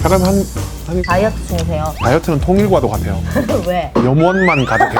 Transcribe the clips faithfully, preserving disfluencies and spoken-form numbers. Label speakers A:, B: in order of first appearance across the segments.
A: 그럼 한, 한
B: 다이어트 중이세요.
A: 다이어트는 통일과도 같아요.
B: 왜?
A: 염원만 가득해.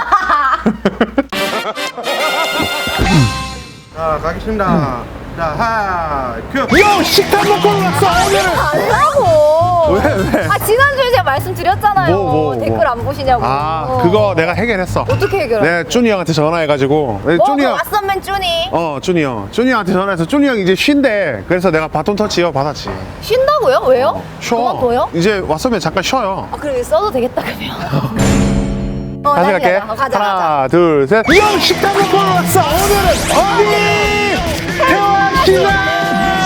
C: 자, 가겠습니다. 자, 하나, 큐!
A: 요! 식탐 먹고 왔어! 오늘은!
B: 달라고.
A: 왜, 왜?
B: 아 지난주에 제가 말씀드렸잖아요.
A: 뭐, 뭐,
B: 댓글
A: 뭐.
B: 안 보시냐고.
A: 아, 그거 내가 해결했어.
B: 어떻게 해결해?
A: 네, 쭈니 형한테 전화해가지고. 네,
B: 어,
A: 쭈니
B: 그
A: 형.
B: 왓썸맨 쭈니.
A: 어, 쭈니 형. 쭈니 형한테 전화해서 쭈니 형이 이제 쉰대. 그래서 내가 바톤 터치 이어 받았지.
B: 쉰다고요? 왜요?
A: 쉬어.
B: 그만둬요?
A: 이제 왔으면 잠깐 쉬어요.
B: 아 그래 써도 되겠다 그러면. 어,
A: 다시
B: 다시
A: 갈게.
B: 가자. 가자
A: 하나,
B: 가자.
A: 둘, 셋. 형 식탐 먹고 왔어! 오늘은 어디? 태화시장!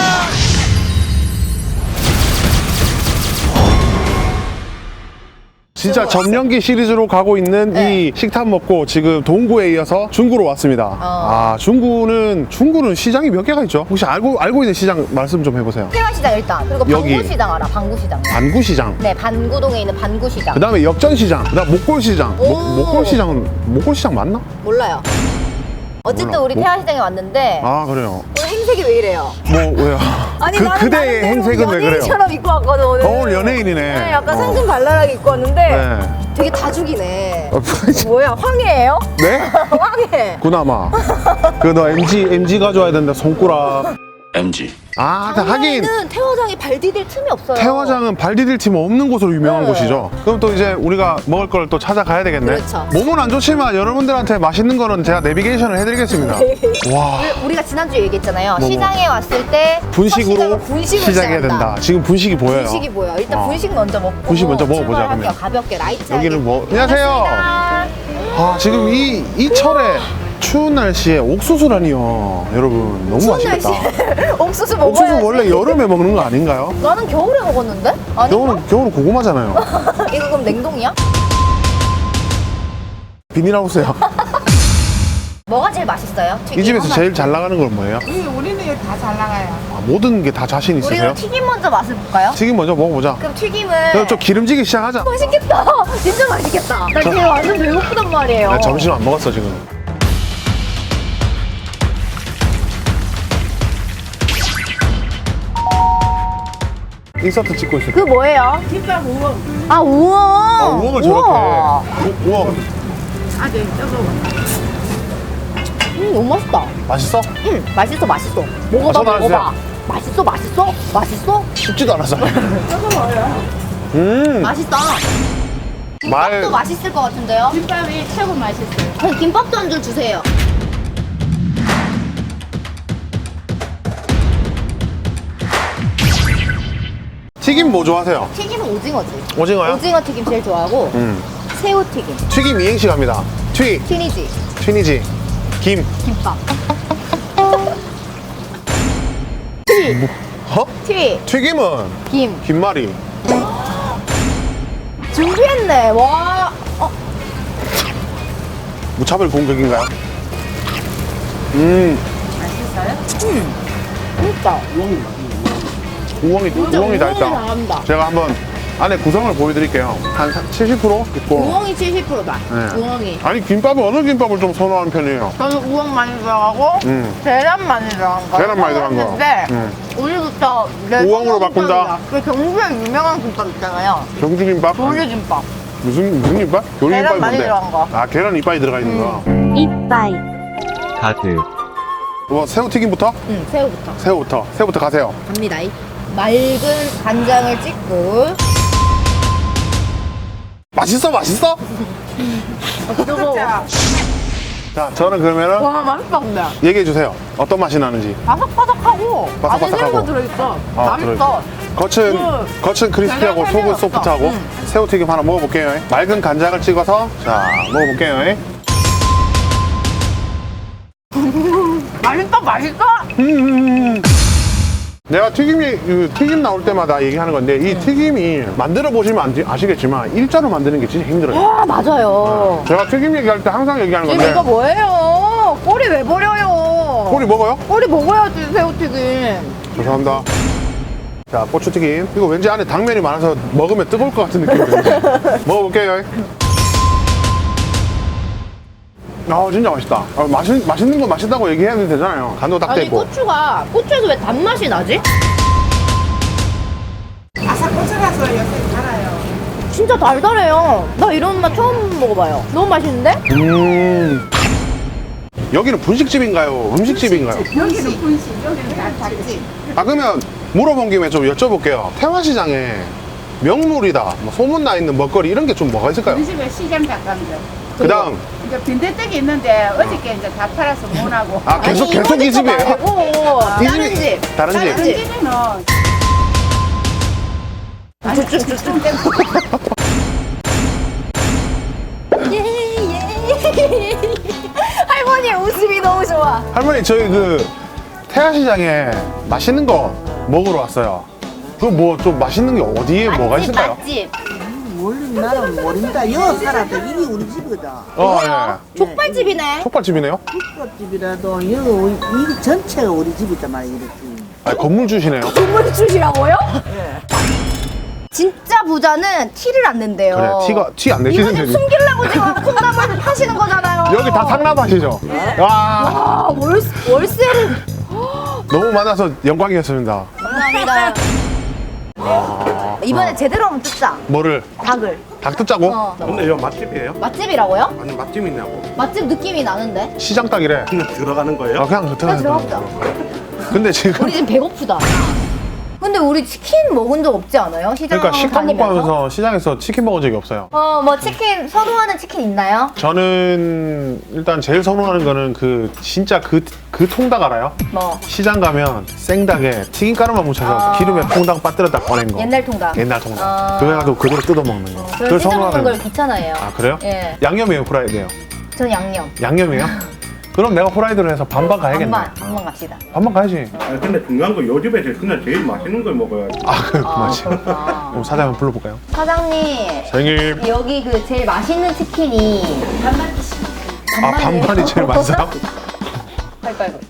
A: 진짜 점령기 시리즈로 가고 있는
B: 네.
A: 이 식탐 먹고 지금 동구에 이어서 중구로 왔습니다.
B: 어.
A: 아, 중구는 중구는 시장이 몇 개가 있죠? 혹시 알고 알고 있는 시장 말씀 좀 해보세요.
B: 태화시장 일단. 그리고
A: 여기.
B: 반구시장 알아? 반구시장.
A: 반구시장.
B: 네, 반구동에 있는 반구시장.
A: 그 다음에 역전시장. 그 다음 목골시장.
B: 오.
A: 목, 목골시장은 목골시장 맞나?
B: 몰라요. 어쨌든
A: 몰라.
B: 우리
A: 뭐?
B: 태화시장에 왔는데
A: 아 그래요.
B: 오늘 행색이 왜 이래요?
A: 뭐 왜요? 그
B: 나는
A: 그대의
B: 나름대로
A: 행색은 왜 그래요?
B: 연예인처럼 입고 왔거든 오늘.
A: 오늘 연예인이네.
B: 네, 약간
A: 어.
B: 상큼 발랄하게 입고 왔는데
A: 네.
B: 되게 다죽이네.
A: 어,
B: 뭐야 황해예요?
A: 네?
B: 황해.
A: 구나마. 그 너 엠지 엠지 가져와야 된다 손가락.
D: 엠지.
A: 아, 하긴
B: 황해는 태화장에 발 디딜 틈이 없어요.
A: 태화장은 발 디딜 팀 없는 곳으로 유명한
B: 네.
A: 곳이죠. 그럼 또 이제 우리가 먹을 걸 또 찾아가야 되겠네.
B: 그렇죠.
A: 몸은 안 좋지만 여러분들한테 맛있는 거는 제가 내비게이션을 해드리겠습니다. 와,
B: 우리- 우리가 지난주에 얘기했잖아요.
A: 뭐, 뭐.
B: 시장에 왔을 때
A: 분식으로
B: 첫 시작은 분식으로
A: 시작해야
B: 시작한다.
A: 된다. 지금 분식이 보여요.
B: 분식이 보여. 일단
A: 어.
B: 분식 먼저 먹고
A: 분식 먼저 먹어보자,
B: 출발할게요.
A: 그러면.
B: 가볍게 라이트하게.
A: 여기는 뭐- 안녕하세요.
B: 반갑습니다.
A: 아, 지금 이, 이 철에 추운 날씨에 옥수수라니요. 여러분, 너무
B: 추운
A: 맛있겠다.
B: 날씨에 옥수수 먹어야지.
A: 옥수수 원래 여름에 먹는 거 아닌가요?
B: 나는 겨울에 먹었는데? 아니
A: 겨울은, 겨울은 고구마잖아요.
B: 이거 그럼 냉동이야?
A: 비닐하우스요.
B: 뭐가 제일 맛있어요? 튀김
A: 이 집에서
B: 하나.
A: 제일 잘 나가는 건 뭐예요?
E: 우리, 우리는 여기 다 잘 나가요.
A: 아, 모든 게 다 자신 있으세요?
B: 우리는 튀김 먼저 맛을 볼까요?
A: 튀김 먼저 먹어보자.
B: 그럼 튀김을
A: 그럼 좀 기름지게 시작하자.
B: 맛있겠다. 진짜 맛있겠다. 나
A: 저-
B: 지금 완전 배고프단 말이에요.
A: 나 점심 안 먹었어 지금. 인서트 찍고 있어.
B: 그 뭐예요?
E: 김밥 우엉.
B: 아 우엉.
A: 아, 우엉을 저렇게.
B: 우와.
A: 우- 우엉
E: 아, 네, 저거.
B: 음 너무 맛있다.
A: 맛있어?
B: 음 맛있어 맛있어. 먹어봐
A: 아, 전화
B: 먹어봐.
A: 주세요.
B: 맛있어 맛있어 맛있어.
A: 쉽지도 않아서.
E: 저거 뭐예요?
A: 음.
B: 맛있다.
A: 말.
B: 김밥도 맛있을 것 같은데요?
E: 김밥이 최고 맛있어요.
B: 그럼 김밥도 한 줄 주세요.
A: 튀김 뭐 좋아하세요?
B: 튀김은 오징어지.
A: 오징어요?
B: 오징어 튀김 제일 좋아하고
A: 음.
B: 새우 튀김.
A: 튀김 이행시 갑니다. 튀.
B: 튀니지.
A: 튀니지. 김.
B: 김밥.
A: 어?
B: 튀.
A: 튀김은
B: 김.
A: 김말이.
B: 준비했네. 와. 어.
A: 무차별 공격인가요? 음.
B: 진짜.
A: 우엉이
B: 진짜
A: 우엉이 다
B: 우엉이
A: 있다.
B: 잘한다.
A: 제가 한번 안에 구성을 보여드릴게요. 한 칠십 퍼센트 있고.
B: 우엉이 칠십 퍼센트다.
A: 네.
B: 우엉이.
A: 아니 김밥은 어느 김밥을 좀 선호하는 편이에요?
E: 저는 우엉 많이 들어가고,
A: 음.
E: 계란 많이 들어간 거.
A: 계란 많이 들어간 거.
E: 했는데,
A: 음.
E: 오늘부터 내
A: 우엉으로
E: 선호
A: 바꾼다.
E: 김밥이다. 그 경주에 유명한 김밥 있잖아요.
A: 경주 김밥?
E: 조류김밥.
A: 무슨 무슨 김밥? 요리
E: 계란
A: 김밥이
E: 많이
A: 뭔데?
E: 들어간 거.
A: 아 계란 이빨이 들어가 있는 거.
D: 카드.
A: 뭐 새우튀김부터?
B: 응, 새우부터.
A: 새우부터. 새우부터 가세요.
B: 갑니다. 맑은 간장을 찍고.
A: 맛있어 맛있어?
E: 진짜.
A: 자 저는 그러면은
E: 와, 맛있다, 근데.
A: 얘기해 주세요. 어떤 맛이 나는지.
E: 바삭바삭하고, 안에
A: 바삭바삭하고.
E: 새우가 들어있어.
A: 아,
E: 맛있어.
A: 겉은
E: 음.
A: 겉은 크리스피하고
E: 계란
A: 속은
E: 향이 없어.
A: 소프트하고
E: 음.
A: 새우튀김 하나 먹어볼게요. 맑은 간장을 찍어서 자 먹어볼게요.
E: 맛있어, 맛있어?
A: 음. 내가 튀김이 그 튀김 나올 때마다 얘기하는 건데 이 튀김이 만들어 보시면 안- 아시겠지만 일자로 만드는 게 진짜 힘들어요.
B: 아, 맞아요.
A: 제가 튀김 얘기할 때 항상 얘기하는
B: 지금
A: 건데
B: 이거 뭐예요? 꼬리 왜 버려요?
A: 꼬리 먹어요?
B: 꼬리 먹어야지, 새우튀김.
A: 죄송합니다. 자 고추튀김 이거 왠지 안에 당면이 많아서 먹으면 뜨거울 것 같은 느낌이 드는데 먹어볼게요. 아 진짜 맛있다. 아, 맛있, 맛있는 거 맛있다고 얘기해야 되잖아요. 간도 딱
B: 아니,
A: 되고.
B: 고추가, 고추에서 왜 단맛이 나지?
E: 아삭고추라서
B: 진짜 달달해요. 나 이런 맛 처음 먹어봐요. 너무 맛있는데?
A: 음. 여기는 분식집인가요? 음식집인가요?
D: 여기는 분식, 여기는 다 닭집.
A: 아, 그러면 물어본 김에 좀 여쭤볼게요. 태화시장에 명물이다, 뭐 소문나 있는 먹거리 이런 게 좀 뭐가 있을까요?
D: 우리 집에 시장 닭강정.
A: 그 다음,
D: 이제 빈대떡이 있는데 어저께 이제 다 팔아서 못 하고.
A: 아, 계속,
B: 아니,
A: 계속 이
B: 이거
A: 집이에요?
B: 말고
A: 이
B: 다른
A: 집이-
B: 집.
A: 다른 집.
D: 다른 집에는 아니 좀
B: 할머니의 웃음이 너무 좋아.
A: 할머니, 저희 그 태화시장에 맛있는 거 먹으러 왔어요. 그 뭐 좀 맛있는 게 어디에 뭐가
B: 맛집,
A: 있을까요?
B: 맛집.
F: 모르는 나는 모른다. 여기 살아도 이게 우리 집이거든.
A: 어, 예.
B: 족발집이네.
A: 족발집이네요?
F: 국밥집이라도 여기 우리, 이 전체가 우리 집이단 말이야. 이렇게.
A: 아, 건물 주시네요.
B: 국물 주시라고요? 진짜 부자는 티를 안 낸대요.
A: 그래, 티가, 티 안
B: 이거
A: 내시는
B: 지금
A: 분이.
B: 숨기려고 지금 콩나물 파시는 거잖아요.
A: 여기 다 상납하시죠? 와,
B: 아, 월세, 월세를.
A: 너무 많아서 영광이었습니다.
B: 감사합니다. 이번에 제대로 한번 뜯자.
A: 뭐를?
B: 닭을.
A: 닭 뜯자고?
B: 어.
A: 근데 이거 맛집이에요?
B: 맛집이라고요?
A: 아니, 맛집이냐고.
B: 맛집 느낌이 나는데?
A: 시장 닭이래.
C: 그냥 들어가는 거예요?
A: 아, 그냥
B: 그냥
A: 들어가는
B: 들어갑시다.
A: 근데 지금.
B: 우리 지금 배고프다. 근데 우리 치킨 먹은 적 없지 않아요? 시장
A: 그러니까 식당 먹고
B: 다니면서?
A: 하면서 시장에서 치킨 먹은 적이 없어요.
B: 어, 뭐 치킨, 선호하는 치킨 있나요?
A: 저는 일단 제일 선호하는 거는 그 진짜 그, 그 통닭 알아요?
B: 뭐,
A: 시장 가면 생닭에 튀김가루만 묻혀서
B: 아.
A: 기름에 퐁당 빠뜨렸다 꺼낸 거.
B: 옛날 통닭.
A: 옛날 통닭.
B: 아.
A: 그거 해가지고 그대로 뜯어 먹는 거.
B: 저는 찢어 먹는 걸 귀찮아해요.
A: 아, 그래요?
B: 예.
A: 양념이에요, 프라이드예요?
B: 전 양념.
A: 양념이에요? 그럼 내가 프라이드를 해서 반반 가야겠네.
B: 반반, 반반 갑시다.
A: 반반 가야지.
C: 아 근데 중요한 거 요 집에 제일 그냥 제일 맛있는 걸 먹어야지.
A: 아, 그,
B: 아,
A: 맞지.
B: 그렇구나.
A: 그럼 사장 한번 불러볼까요?
B: 사장님,
A: 사장님.
B: 여기 그 제일 맛있는 치킨이
A: 아, 반반이 제일 맛있어요?
B: 빨빨빨.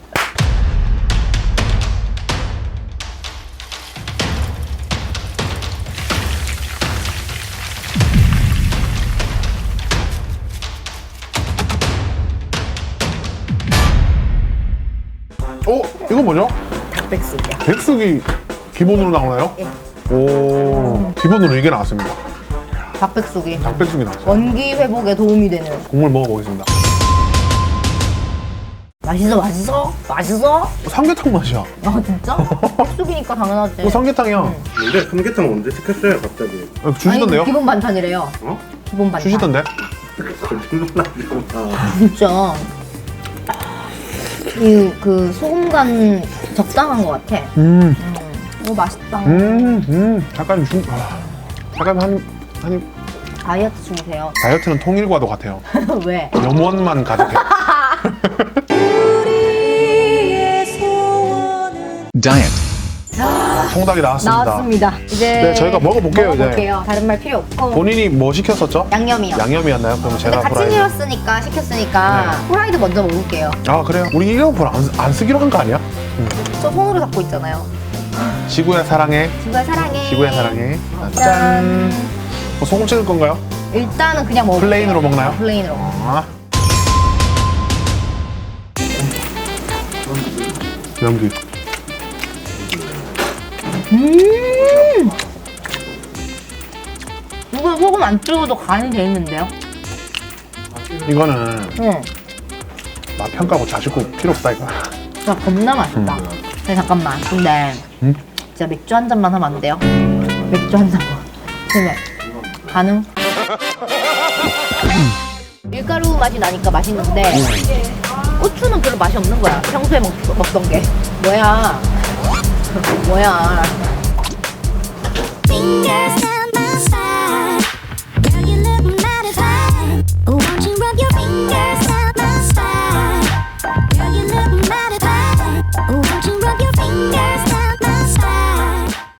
A: 어? 이거 뭐죠?
B: 닭백숙이요.
A: 백숙이 기본으로 나오나요?
B: 예.
A: 오, 기본으로 이게 나왔습니다.
B: 닭백숙이
A: 닭백숙이 나왔어요.
B: 원기 회복에 도움이 되는.
A: 국물 먹어보겠습니다.
B: 맛있어, 맛있어, 맛있어.
A: 삼계탕 맛이야.
B: 아 진짜? 백숙이니까 당연하지.
A: 어, 삼계탕이야.
C: 근데 삼계탕 언제 시켰어요 갑자기?
A: 어, 주시던데요?
B: 아니, 기본 반찬이래요.
C: 어?
B: 기본 반찬.
A: 주시던데?
C: 거짓말하지마.
B: 진짜. 이 그 소금 간 적당한 것 같아.
A: 음,
B: 오 맛있다.
A: 음, 음. 잠깐 중, 아, 잠깐 한, 한,
B: 다이어트 중이세요.
A: 다이어트는 통일과도 같아요.
B: 왜?
A: 염원만 가득해.
G: Diet.
A: 통닭이 나왔습니다.
B: 나왔습니다. 이제
A: 네, 저희가 먹어볼게요, 이제.
B: 먹어볼게요. 다른 말 필요 없고.
A: 본인이 뭐 시켰었죠?
B: 양념이요.
A: 양념이었나요? 그럼
B: 근데
A: 제가
B: 같이
A: 프라이드.
B: 시켰으니까 시켰으니까 프라이드 먼저 먹을게요.
A: 아, 그래요? 우리 일회용품 안, 안 쓰기로 한 거 아니야?
B: 저 손으로 잡고 있잖아요.
A: 지구야 사랑해.
B: 지구야 사랑해.
A: 지구야 사랑해.
B: 짠.
A: 뭐 소금 찍을 건가요?
B: 일단은 그냥 먹을게요.
A: 플레인으로 먹나요?
B: 플레인으로.
A: 아. 연기.
B: 음. 이거 소금 안 찍어도 간이 돼 있는데요?
A: 이거는
B: 응.
A: 맛 평가고 자식고 필요 없다 이거.
B: 진짜 겁나 맛있다. 근데 잠깐만. 근데
A: 음?
B: 진짜 맥주 한 잔만 하면 안 돼요? 맥주 한 잔만. 그래. 가능? 밀가루 맛이 나니까 맛있는데 고추는 별로 맛이 없는 거야. 평소에 먹, 먹던 게. 뭐야? 뭐야?
H: Fingers